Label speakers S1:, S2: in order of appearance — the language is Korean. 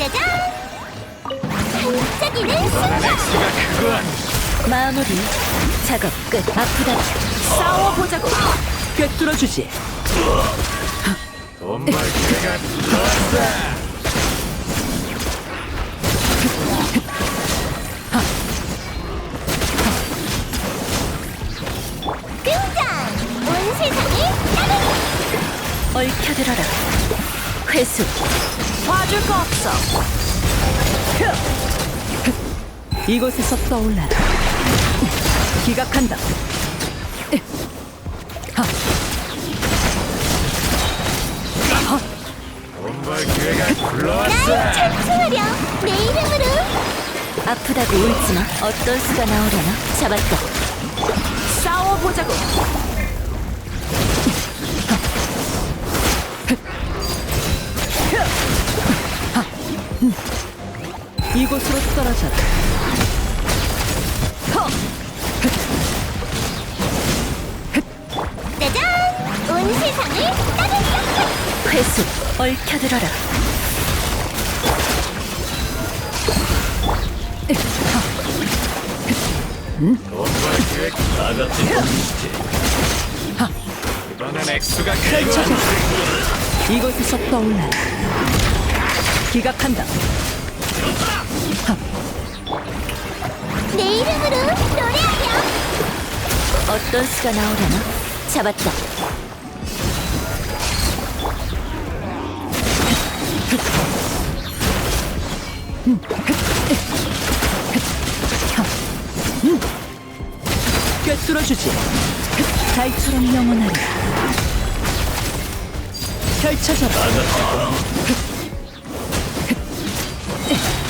S1: 짜잔! 반짝이는 순간!
S2: 엑스가 그거 아니.
S3: 마무리. 작업 끝. 아프다. 싸워보자고. 꿰뚫어주지.
S2: 돈 벌 기회가 들어왔다.
S1: 등장! 온 세상이 따르니!
S3: 얽혀들어라. 회수. 봐줄 거 없어. 이곳에서 떠올라라. 기각한다.
S2: 돈 벌 기회가 들어왔어.
S1: 날 찬송하렴! 내 이름으로!
S3: 아프다고 울지마. 어떤 수가 나오려나? 잡았다. 싸워보자고. 이곳으로 떨어져라.
S1: 짜잔! 온 세상을 따르니!
S3: 회수. 얽혀들어라.
S2: 돈 벌 기회가 다 같이 보시지. 이번엔 엑스가 그거
S3: 펼쳐져.
S2: 아니.
S3: 이곳에서 떠올라라. 기각한다.
S1: 내 이름으로 노래하렴!
S3: 어떤 수가 나오려나? 잡았다. 꿰뚫어주지. 달처럼 영원하리. 펼쳐져라.